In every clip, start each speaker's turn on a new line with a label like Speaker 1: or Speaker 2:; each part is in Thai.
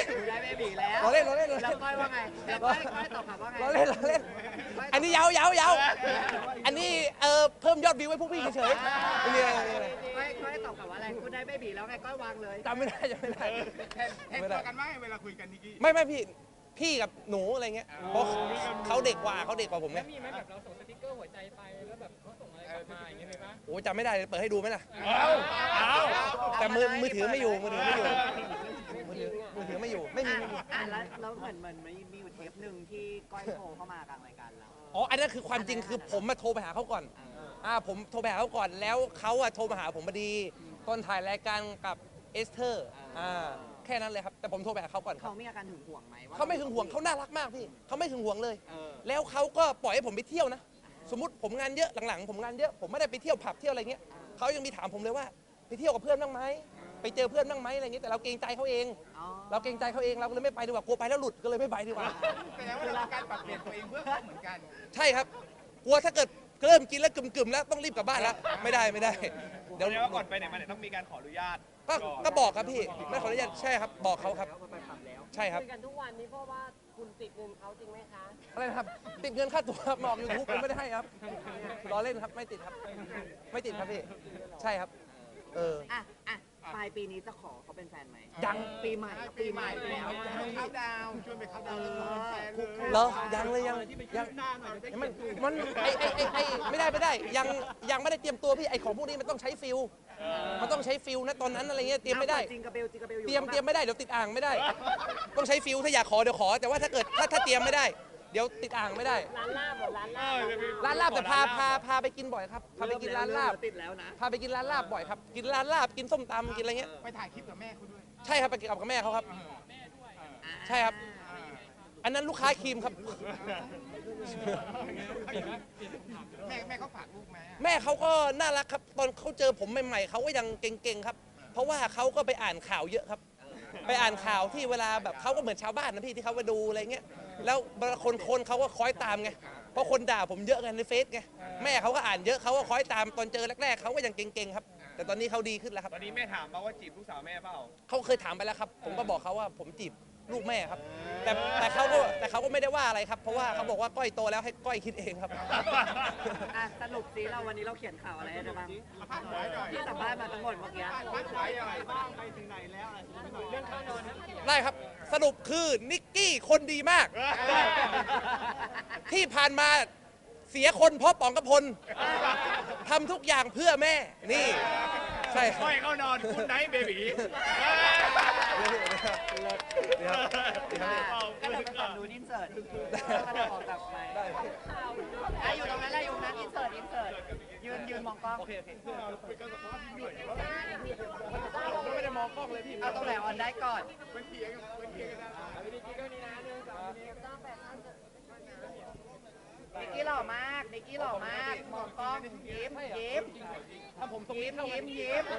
Speaker 1: ได้เบบีแล้ว
Speaker 2: เราเล่นเราเล่น
Speaker 1: แล้วก้อยว่าไงแล้วก้อยตอบกลับว่าไง
Speaker 2: เราเล่นเราเล่นอันนี้ยาวยาวยาวอันนี้เพิ่มยอดวิวให้พวกพี่เฉยๆไม่มีอะไรไม่มีอะไร
Speaker 1: ก้อยตอบกลับว่าอะไรคุณได้เบบีแล้วไงก้อยวางเลย
Speaker 2: จำไม่ได้จำไม่ได้
Speaker 3: เห็นตัวกันว่าเวลาคุยกันนิกกี้
Speaker 2: ไม่พี่กับหนูอะไรเงี้ยเพราะเขาเด็กกว่าผมไง
Speaker 4: มีไหมแบบเราส่งสติ๊กเกอร์หัวใจไปแล้วแบบเขาส่งอะไรกลับมาอย่างเงี้ยมีปะ
Speaker 2: โอ้จำไม่ได้เลยเปิดให้ดูไหมล่ะ
Speaker 4: เอา
Speaker 2: แต่มือถือไม่อยู่มือถือไม่อยู่ไม่มี
Speaker 1: แล้วเหมือนมีอยู่เทปหนึ่งที่ก้อยโทรเข้ามากลางรายการเรา
Speaker 2: อ๋ออันนั้นคือความจริงคือผมมาโทรไปหาเขาก่อนผมโทรไปหาเขาก่อนแล้วเขาโทรมาหาผมพอดีตอนถ่ายรายการกับเอสเธอร์แค่นั้นเลยครับแต่ผมโทรไปหาเขาก่อนครั
Speaker 1: เขา
Speaker 2: บ
Speaker 1: มีอาการหึงหวงไหมว่า
Speaker 2: เขาไม่หึงหวงเขาน่ารักมากพี่เขาไม่หึงหวงเลย
Speaker 1: เออ
Speaker 2: แล้วเขาก็ปล่อยให้ผมไปเที่ยวนะสมมติผมงานเยอะหลังๆผมงานเยอะผมไม่ได้ไปเที่ยวผับเที่ยวอะไรเงี้ยเขายังมีถามผมเลยว่าไปเที่ยวกับเพื่อนบ้างไหมไปเจอเพื่อนบ้างไหมอะไรเงี้ยแต่เราเกรงใจเขาเอง
Speaker 1: อ๋อ
Speaker 2: เราเกรงใจเขาเองเราก็เลยไม่ไปดีกว่ากลัวไปแล้วหลุดก็เลยไม่ไปดีกว่า
Speaker 3: แสดงว่าเราการปรับเปลี่ยนตัวเองเพื่อเขาเหมือนกัน
Speaker 2: ใช่ครับกลัวถ้าเกิดเริ่มกินแล้วกึ่มๆแล้วต้องรีบกลับบ้านแล้วไม่ได้เดี๋
Speaker 4: เดี๋
Speaker 2: ย
Speaker 4: ยว วก่อนไปไหนมาไหนต้องมีการขออนุญาต
Speaker 2: ก็บอกครับพี่ไม่ขออนุญาตใช่ครับบอกเขาครับใช่ครับ
Speaker 5: คุยกันทุกวันนี้เพราะว่าคุณติดเงินเขาจริงไหมคะ
Speaker 2: อะไรนะครับติดเงินค่าตัวหมอกยูทูบผมไม่ได้ให้ครับล้อเล่นครับไม่ติดครับไม่ติดครับพี่ใช่ครับ
Speaker 1: อ่ะปลายปีนี้จะขอเขาเป็นแฟนไหม
Speaker 2: ยัง
Speaker 1: ปีใหม่แล้ว
Speaker 3: เข้าดาวชวนไปเข้าดาวแล้วแฟน
Speaker 2: เหรอยังเลยยังมันไอไม่ได้ยังไม่ได้เตรียมตัวพี่ไอของพวกนี้มันต้องใช้ฟิลมันต้องใช้ฟิลนะตอนนั้นอะไรเงี้ยเตรียมไม่ได้
Speaker 1: จิงกระเบลอยู่
Speaker 2: เตรียมไม่ได้เดี๋ยวติดอ่างไม่ได้ ต้องใช้ฟิลถ้าอยากขอเดี๋ยวขอ แต่ว่าถ้าเกิดถ้าเตรียมไม่ได้เดี๋ยวติดอ่างไม่ได้
Speaker 5: ร้านลาบเหรอร้านลาบ
Speaker 2: ร้านลาบแต่พาไปกินบ่อยครับพาไปกินร้านลาบ
Speaker 1: ติดแล้วนะ
Speaker 2: พาไปกินร้านลาบบ่อยครับกินร้านลาบกินส้มตำกินอะไรเงี้ย
Speaker 3: ไปถ่ายคลิปกับแม่เขาด้วย
Speaker 2: ใช่ครับไปกินกับแม่เขาครับ ใช่ครับ อันนั้นลูกค้าครีมครับ
Speaker 3: แม่เขาฝากลูกไหม
Speaker 2: แม่เขาก็น่ารักครับ ตอนเขาเจอผมใหม่ๆเขาก็ยังเก่งๆครับ เพราะว่าเขาก็ไปอ่านข่าวเยอะครับ ไปอ่านข่าวที่เวลาแบบเขาก็เหมือนชาวบ้านนะพี่ที่เขามาดูอะไรเงี้ยแล้วคนเขาก็คอยตามไงเพราะคนด่าผมเยอะไงในเฟซไงแม่เขาก็อ่านเยอะเขาก็คอยตามตอนเจอแรกๆเขาก็ยังเก่งๆครับ แต่ตอนนี้เขาดีขึ้นแล้วครับ
Speaker 4: ตอนนี้แม่ถามมาว่าจีบลูกสาวแม่เปล่า
Speaker 2: เขาเคยถามไปแล้วครับ ผมก็บอกเขาว่าผมจีบลูกแม่ครับ แต่เขาก็ไม่ได้ว่าอะไรครับ เพราะว่าเขาบอกว่าก้อยโตแล้วให้ก้อยคิดเองครับ
Speaker 1: สรุปสิเราวันนี้เราเขียนข่าวอะไรให้ได้บ้าง
Speaker 3: พาดหัวหน่อย
Speaker 1: ที่สัมภาษณ์มาทั้งหมดเมื่อกี้
Speaker 3: พาดหัวหน่อย
Speaker 2: ได้ครับ สรุปคือนิกกี้คนดีมาก ที่ผ่านมาเสียคนเพราะป๋องกระพลทำทุกอย่างเพื่อแม่ นี่ ใช่ครับ
Speaker 4: ก้อยเข้านอนคุณไนท์เบบี
Speaker 1: ก็เราไปฝั่งนู้นอินเสิร์ตก็เราออกกลับไปอยู่ตรงนั้นอยู่นั้นอินเสิร์ตยืนมองกล้อง
Speaker 2: โอเคไม่ได้มองกล้องเลยพี่
Speaker 1: เอาตรงไหนออนได้ก่อนนิกกี้หล่อมากมองกล้องยิ้ม
Speaker 2: ถ้าผมตรงนี้เข้าไหม
Speaker 1: ยิ้ม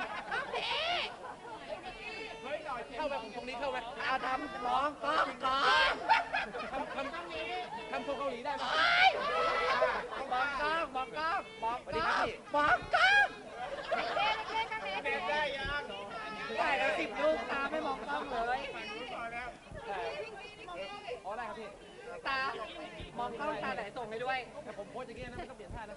Speaker 2: เข้าไหมผมตรงนี้เข้าไหม
Speaker 1: เอาทำมองกล้องก่อน
Speaker 2: ทำโชว์เกาหลีได้ไหม
Speaker 1: มองกล้อง
Speaker 2: สวัสดีครับพี่
Speaker 1: มองกล้อง
Speaker 3: ได้ยัง
Speaker 1: ถ่ายแล้ว10 ลูกตาไม่มองกล้องเลย
Speaker 2: อ๋อได้ครับพี่
Speaker 1: ตามองกล้องตาไหนส่งให้ด้วย
Speaker 2: แต่ผมโพสอย่างนี้นะไม่ต้องเปลี่ยนท่านะ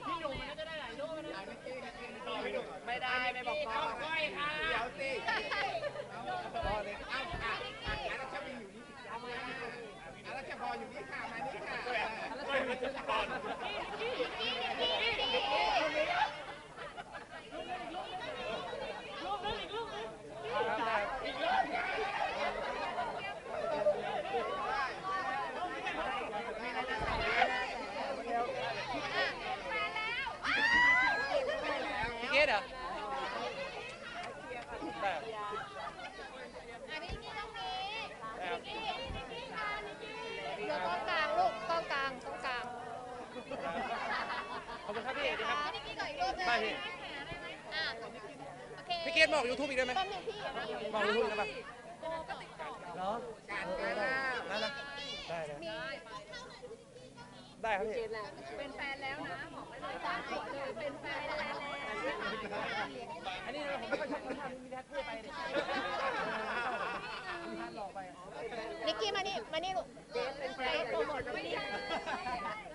Speaker 1: ไม่ได้ไม่บอกกล้อง
Speaker 3: เดี๋ยวสิอารัชพรอยู่นี่อารัชพรอยู่นี่ค่ะมานี่ค่ะ
Speaker 2: พี่เกดเหรอได้
Speaker 6: เดี๋ยวกล้องกลางลูกกล้องกลางกล้องกลาง
Speaker 2: ขอบคุณครับพี่ดีครับ
Speaker 6: นิกกี้ก่อนอีกรูปหนึง
Speaker 2: ได้พี่
Speaker 6: อ่ะโอเค
Speaker 2: พี่เกดมาออกยูทูบอีกได้ไหม
Speaker 6: แป๊บนึงพี่
Speaker 2: มาออกยูทูบได้ปะเหรอ
Speaker 3: การงาน
Speaker 2: นั่นนะได้เลยได้ครับพี่
Speaker 6: เป็นแฟนแล้วนะบอกไว้เลยจ้าหัวเลยเป็นแฟนแล้ว
Speaker 2: อันนี้ผมไม่ค่อยชอบทำมีแท็กเพื่อไปเลยมีท่านหลอกไป
Speaker 6: นิกกี้มานี่ลูกเป็นแฟนโปรโมทไม่ได้